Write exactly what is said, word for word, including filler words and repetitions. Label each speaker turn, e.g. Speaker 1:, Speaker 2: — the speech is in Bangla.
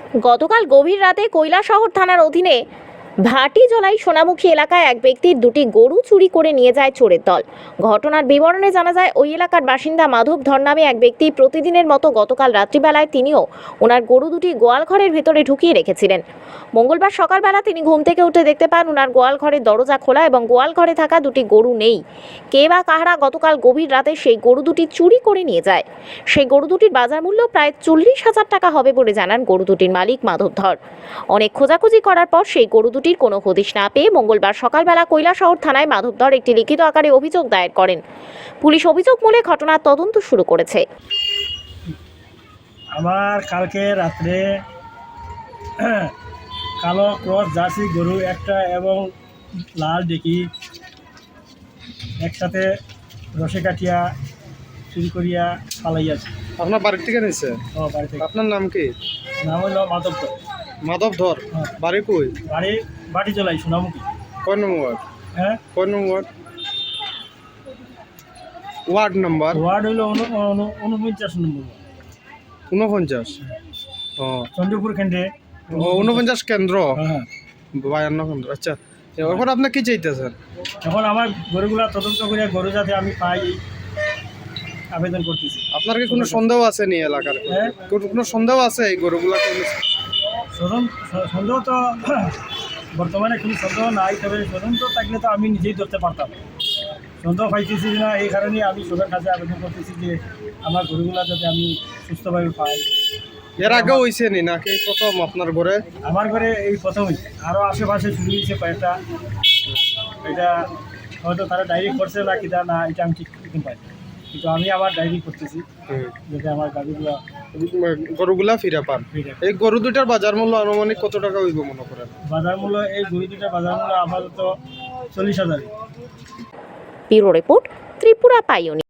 Speaker 1: গতকাল গভীর রাতে কৈলাসহর থানার অধীনে ভাটিজলাই সোনামুখী এলাকায় এক ব্যক্তির দুটি গরু চুরি করে নিয়ে যায় চোরের দল। ঘটনার বিবরণে জানা যায়, ওই এলাকার বাসিন্দা মাধব ধর নামে এক ব্যক্তি প্রতিদিনের মতো গতকাল রাত্রিবেলায় তিনিও ওনার গরু দুটি গোয়াল ঘরের ভেতরে ঢুকিয়ে রেখেছিলেন। মঙ্গলবার সকালবেলা তিনি ঘুম থেকে উঠে দেখতে পান ওনার গোয়াল ঘরের দরজা খোলা এবং গোয়াল ঘরে থাকা দুটি গরু নেই। কে বা কাহারা গতকাল গভীর রাতে সেই গরু দুটি চুরি করে নিয়ে যায়। সেই গরু দুটির বাজার মূল্য প্রায় চল্লিশ হাজার টাকা হবে বলে জানান গরু দুটির মালিক মাধব ধর। অনেক খোঁজাখুঁজি করার পর সেই গরু দুটির কোনো হদিশ না পেয়ে মঙ্গলবার সকালবেলা কৈলাসহর থানায় মাধব ধর একটি লিখিত আকারে অভিযোগ দায়ের করেন। পুলিশ অভিযোগ মূলে ঘটনার তদন্ত শুরু করেছে।
Speaker 2: আমার কালকে রাত্রে কালো ক্রস জার্সি গরু একটা এবং লাল ডেকি একসাথে রসে কাটিয়া চুরি করিয়া পালাইয়াছে।
Speaker 3: আপনার বাড়ি থেকে নিছে?
Speaker 2: ও বাড়ি থেকে।
Speaker 3: আপনার নাম কি?
Speaker 2: নাম হইল মাধব ধর।
Speaker 3: মাধব ধর।
Speaker 2: হ্যাঁ।
Speaker 3: বাড়ি কই?
Speaker 2: বাড়ি ভাটিজলাই সোনামুখী।
Speaker 3: কয় নম্বর?
Speaker 2: হ্যাঁ,
Speaker 3: কয় নম্বর ওয়ার্ড নাম্বার?
Speaker 2: ওয়ার্ড হইল উনপঞ্চাশ নম্বর,
Speaker 3: ঊনপঞ্চাশ। ও
Speaker 2: চন্দ্রপুর কেন্দ্রে।
Speaker 3: ও, ঊনপঞ্চাশ কেন্দ্র,
Speaker 2: হ্যাঁ।
Speaker 3: বায়ান্ন কেন্দ্র। আচ্ছা, এখন আপনি কি চাইতেছেন?
Speaker 2: এখন আমার গরুগুলা তদন্ত করে গরু যাতে আমি পাই আবেদন করতেছি।
Speaker 3: আপনার কি কোনো সন্দেহ আছে নি এলাকার?
Speaker 2: হ্যাঁ।
Speaker 3: কোনো কোনো সন্দেহ আছে এই গরুগুলা?
Speaker 2: সদন সন্দেহ তো বর্তমানে কোনো সন্দেহ নাই, তবে তদন্ত থাকলে তো আমি নিজেই ধরতে পারতাম। সন্দেহ পাইতেছি না, এই কারণে আমি সবার কাছে আবেদন করতেছি যে আমার গরুগুলা যাতে আমি সুস্থভাবে পাই।
Speaker 3: এর আগে হয়েছে নি নাকি প্রথম আপনার ঘরে?
Speaker 2: আমার ঘরে এই প্রথমই, আরও আশেপাশে চুরি হয়েছে কয়েকটা। এটা হয়তো তারা ডায়েরি করছে না কিনা, না এটা আমি ঠিক ঠিক পাই, কিন্তু আমি আবার ডায়েরি করতেছি যাতে আমার গাড়িগুলো
Speaker 3: গরুগুলা ফিরে পান।
Speaker 2: ফিরে।
Speaker 3: এই গরু দুইটার বাজার মূল্য আনুমানিক কত টাকা হইব মনে করেন?
Speaker 2: বাজার মূল্য এই গরু দুটা বাজার মূল্য আপাতত চল্লিশ হাজার।
Speaker 1: Bureau report, Tripura pioneer.